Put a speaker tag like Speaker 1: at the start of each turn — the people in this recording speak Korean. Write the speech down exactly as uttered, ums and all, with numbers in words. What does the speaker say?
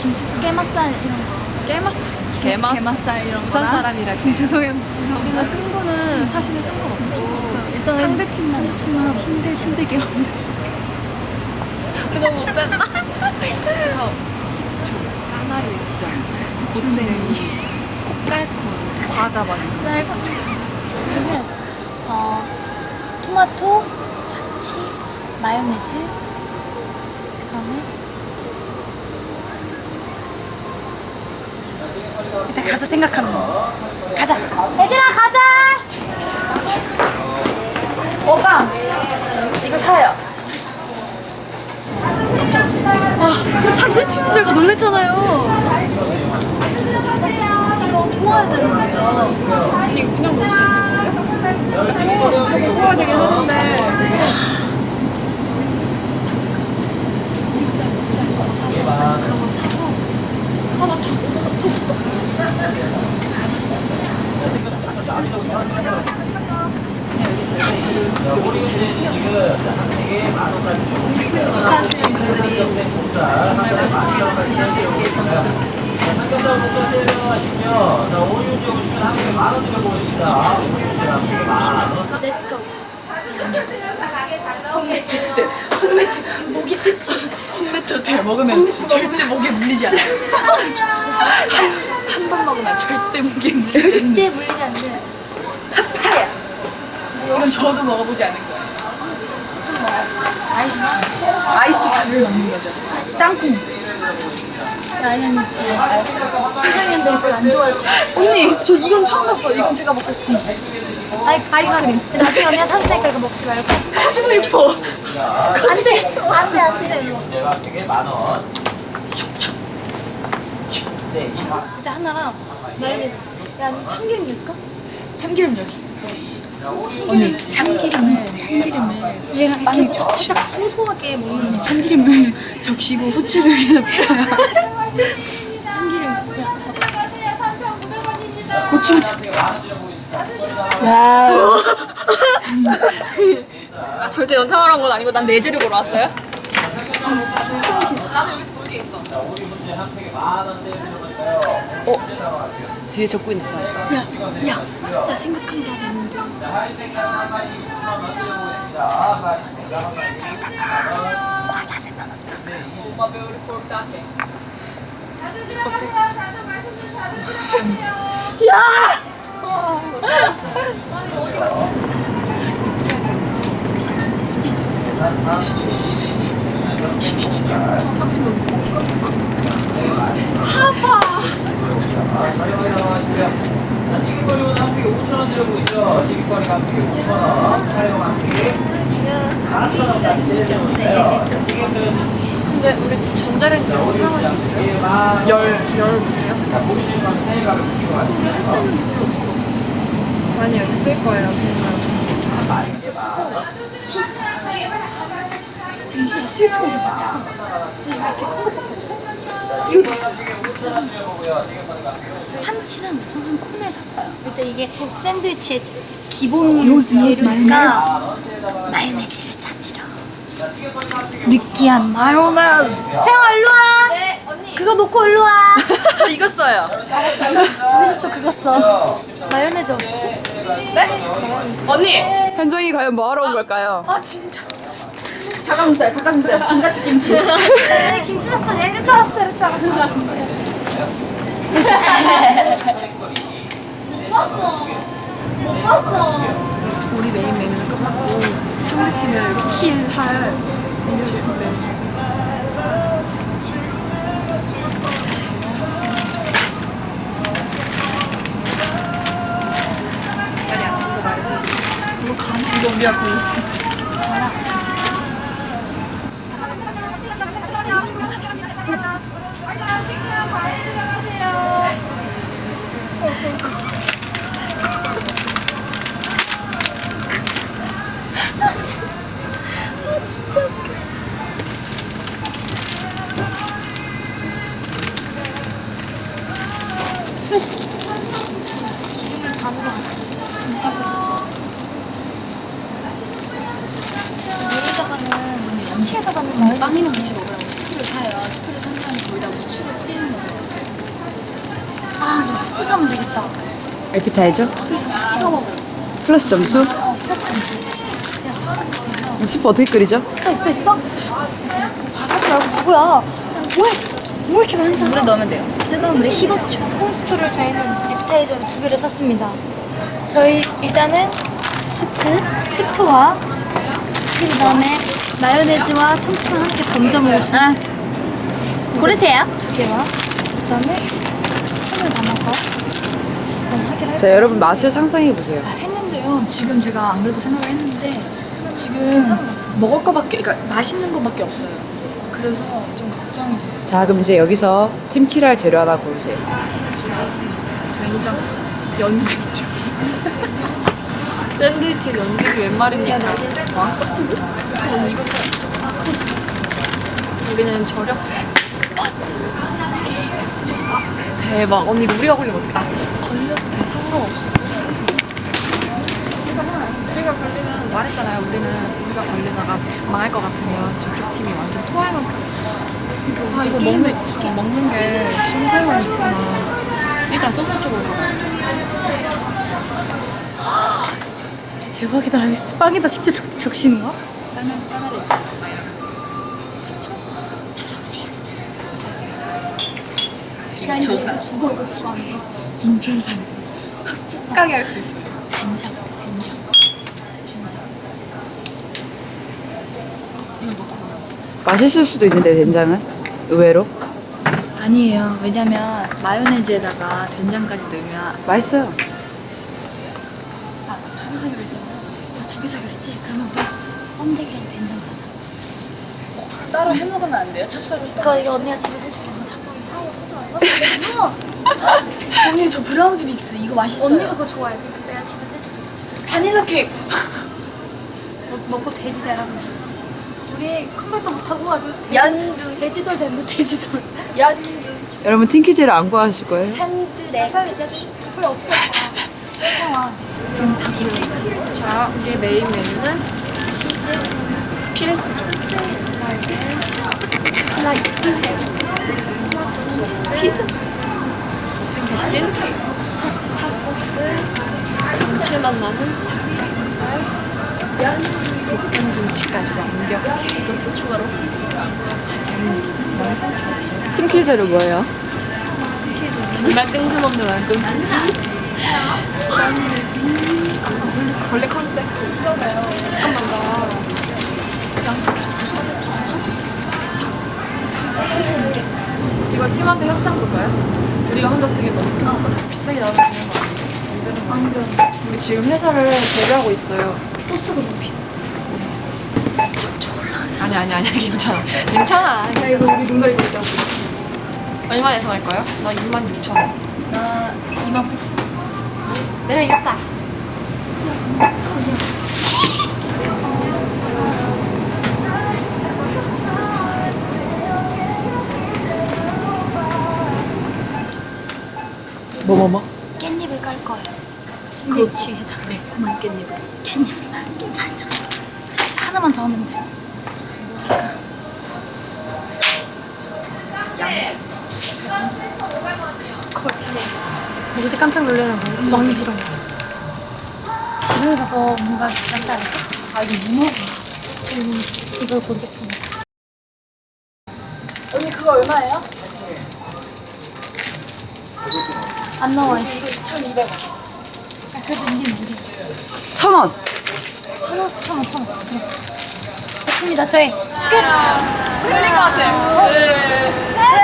Speaker 1: 깨맛살 이런 거.
Speaker 2: 깨맛살.
Speaker 1: 게맛? 게맛살 이런 거.
Speaker 2: 부산 사람이라.
Speaker 1: 죄송해요. 죄송합니다.
Speaker 2: 우리는 승부는 사실 상관없어.
Speaker 1: 상관없어요. 일단은
Speaker 2: 상대팀만
Speaker 1: 상대팀만 힘들 힘들게 하면 돼.
Speaker 2: 우리 너무 못한다. 그래서 식초, 까나리 액젓, 고추냉이, 콩깔콘, 과자 많이.
Speaker 1: 쌀과자.
Speaker 3: 여기는 어, 토마토, 참치, 마요네즈, 그 다음에 일단 가서 생각하면 가자. 얘들아 가자.
Speaker 1: 오빠 이거 사요.
Speaker 2: 아, 상대팀 제가 놀랬잖아요.
Speaker 1: 이거 구워야 되는 거죠?
Speaker 2: 아니, 이거 그냥 먹을 수 있을 거예요? 뭐, 무조건 구워야 되긴 하는데.
Speaker 1: 믹살 믹살 사서 그런 걸 사서 하나 쳐. 식사하시는 분들이 정말 맛있게 드실 수 있게 일단
Speaker 3: Let's go. 홈매트, 홈매트, 모기 퇴치.
Speaker 1: 홈매트 대 먹으면 절대 목에 물리지 않아요. 한 번 먹으면 절대 목에 물리지 않아요.
Speaker 3: 절대 물리지 않는 파파야.
Speaker 1: 이건 저도 먹어보지 않은 거예요. 아이스티. 아이스티 가루를 넣는 거죠. 땅콩.
Speaker 3: 아니면 진짜 알았어. 심상년들이 별로 안 좋아할 거야.
Speaker 1: 언니, 저 이건 처음 봤어. 이건 제가 먹고 싶은데.
Speaker 3: 아이,
Speaker 1: 아이스크림.
Speaker 3: 이거 나중에 언니가 사줄 테니까 이거 먹지 말고.
Speaker 1: 가지고 싶어.
Speaker 3: 안 돼, 안 돼, 안 돼, 일로. 일단 하나랑 마요네즈. 야, 참기름 넣을까?
Speaker 1: 참기름 여기.
Speaker 3: 참기름.
Speaker 1: 참기름을 참기름을
Speaker 3: 얘랑
Speaker 1: 빵에
Speaker 3: 이렇게 해서
Speaker 1: 적시고.
Speaker 3: 살짝 고소하게 먹는 거.
Speaker 1: 참기름을 적시고 후추를 위에다 뿌려요.
Speaker 3: 참기름. 야,
Speaker 1: 고추 참기름. 와우.
Speaker 2: 아, 절대 연상을 한 건 아니고 난 내재를 보러 왔어요? 나도 여기서 볼 게 있어.
Speaker 1: 어? 뒤에 적고 있는 사람.
Speaker 3: 야, 야, 나 생각한 게 하나 있는데. 샌드위치에다가 과자 넣으면 어떨까? 어때? 야!
Speaker 4: 튀김거리는 한 팩에 오천 원 들고 있죠. 튀김거리가 한 팩에 오천 원, 사용 한 팩에 사천 원까지 내려오는데요. 튀김거리는
Speaker 2: 근데 우리 전자레인지로 사용할 수 있어요? 열, 열 못해요?
Speaker 4: 보이시는 건 사이가 붙이고 가시고요.
Speaker 2: 할 수 있는 게 별로 없어. 많이 여기 쓸 거예요, 그냥.
Speaker 3: 치즈 사서. 이게 스위트가 괜찮다. 이렇게 큰 것밖에 없어? 이것도 있어. 참치랑 우선은 콘을 샀어요. 일단 이게 샌드위치의 기본 재료니까 마요네즈를 찾으러. 느끼한 마요네즈. 세영 일로 와. 네, 언니. 그거 놓고 일로 와.
Speaker 1: 저 이거 써요.
Speaker 3: 우리 집도 그거 써. 마요네즈 어딨지?
Speaker 1: 언니.
Speaker 2: 현정이 과연 뭐하러 온 걸까요?
Speaker 1: 아 진짜. 닭가슴살, 닭가슴살, 감자튀 김치.
Speaker 3: 네, 김치 샀어. 내가 이럴 줄 알았어. 이럴 줄 알았어.
Speaker 1: 못 봤어. 못 봤어.
Speaker 2: 우리 메인 메뉴는 끝났고 상대팀을 킬할 최소 메뉴. 아니 아니 이거 말고 이거 가나? 이거 우리가 거의 진짜
Speaker 3: 아, 진짜 웃겨. 스매시. 기름을 다 넣어. 돈가스 소스. 위에다가는 참치에다가는 마요네즈.
Speaker 1: 빵이랑 같이 먹으라고 스프를 사요. 스프를 산 다음에 거기다가 수치를 뿌리는
Speaker 3: 아, 나 스프 사면 되겠다.
Speaker 2: 에피타이저?
Speaker 3: 찍어 먹어.
Speaker 2: 플러스 점수?
Speaker 3: 어, 플러스 점수. 야, 스프.
Speaker 2: 스프 어떻게 끓이죠?
Speaker 3: 있어, 있어, 있어. 다 사지 말고 바보야. 야, 뭐해? 뭐 이렇게 많이 사? 물에 넣으면 돼요. 뜨거운 물에 십오 초. 콘스프를 저희는 에피타이저로 두 개를 샀습니다. 저희 일단은 스프, 스프와 그 다음에 마요네즈와 참치만 함께 건져 먹을 수 있는 고르세요. 두 개와 그 다음에 손을 담아서 한번 하기로
Speaker 2: 자, 여러분 맛을 상상해 보세요.
Speaker 1: 했는데요. 지금 제가 안 그래도 생각을 했는데 지금 먹을 거밖에, 그러니까 맛있는 거밖에 없어요. 그래서 좀 걱정이 돼요.
Speaker 2: 자, 그럼 이제 여기서 팀킬할 재료 하나 고르세요.
Speaker 1: 된장, 연근주. 샌드위치 연근주 웬 말입니까? 왕꺼풀? 언니 이거 우리는 저렴. 대박. 언니 이거 우리가 걸리면 어떡해? 아, 걸려도 돼. 상관없어. 우리가 걸리면 말했잖아요. 우리는 우리가 걸리다가 망할 것 같으면 저쪽 팀이 완전 토할 만큼. 아 이거 먹는 잠깐 먹는 게 심사위원이 있구나. 일단 소스 쪽으로 가봐요.
Speaker 3: 대박이다. 빵에다 직접 적, 적시는 거?
Speaker 1: 빙초산.
Speaker 3: 죽어 이거 죽어.
Speaker 1: 빙초산. 훅가게 할 수 있어요.
Speaker 3: 된장, 된장.
Speaker 1: 이거 넣고.
Speaker 2: 맛있을 수도 있는데 된장은 의외로
Speaker 1: 아니에요. 왜냐면 마요네즈에다가 된장까지 넣으면
Speaker 2: 맛있어요.
Speaker 1: 아, 두개 사기로 했잖아요.
Speaker 3: 아, 두 개 사기로 했지? 그러면 우리 번데기랑 된장 사자.
Speaker 1: 따로 해 먹으면 안 돼요? 찹쌀로
Speaker 3: 그거
Speaker 1: 따로.
Speaker 3: 이거 언니가 집에서 해줄게. 너 자꾸 사고 사지 말고.
Speaker 1: 언니 저 브라우니 믹스 이거 맛있어요.
Speaker 3: 언니가 그거 좋아해. 근데 내가 집에서 해줄게.
Speaker 1: 바닐라 케이크.
Speaker 3: 먹, 먹고 돼지 되라 그래. 우리 컴백도 못하고 아주 돼지,
Speaker 1: 연두.
Speaker 3: 돼지돌 됐네. 돼지돌.
Speaker 1: 연두.
Speaker 2: 여러분 팀키제를 안 구하실 거예요?
Speaker 3: 산드레 빨리 빨리 어떻게 할
Speaker 1: 지금 다 그려요. 자, 우리의 메인 메뉴는 치즈 필수죠.
Speaker 3: 슬라이스.
Speaker 1: 피자. 지금 찐 핫소, 핫소스. 감칠맛 나는 닭가슴살. 볶음 김치까지 완벽해. 이것도 추가로.
Speaker 2: 팀킬 재료 뭐예요?
Speaker 1: 정말 뜬금없는 완금. 원래 컨셉. 잠깐만 나 양쪽 쓰시는 게 이거 팀한테 협상 볼까요? 우리가 혼자 쓰기 너무 큰 비싸게 나오면 되는 거 아니에요? 안 되는 거. 우리 지금 회사를 제휴하고 있어요.
Speaker 3: 소스가 너무 비싸.
Speaker 1: 아니 아니 아니 괜찮아. 괜찮아. 야 이거 우리 눈 가리고 있다고. 얼마 예상할 거예요? 나 이만 육천 원. 나 이만 팔천 원. 내가 이겼다.
Speaker 2: 뭐 뭐 뭐?
Speaker 3: 깻잎을 깔 거예요. 샌드위치에다가 매콤한 깻잎을. 깻잎. 깻잎 한 장. 하나만 더 하면 돼. 콜. 모두 깜짝 놀래라고. 왕지롱. 지루가 더 뭔가 낫지 않을까?
Speaker 1: 아 이거 문어.
Speaker 3: 저희는 이걸 고르겠습니다.
Speaker 1: 언니 그거 얼마예요?
Speaker 3: 안 나와 있어.
Speaker 1: 천이백 원.
Speaker 3: 아, 그래도 이게 무리.
Speaker 2: 천 원.
Speaker 3: 천 원, 천 원, 천 원. 네. 됐습니다. 저희 끝.
Speaker 1: 틀린 것 같아요. 네.
Speaker 3: 셋.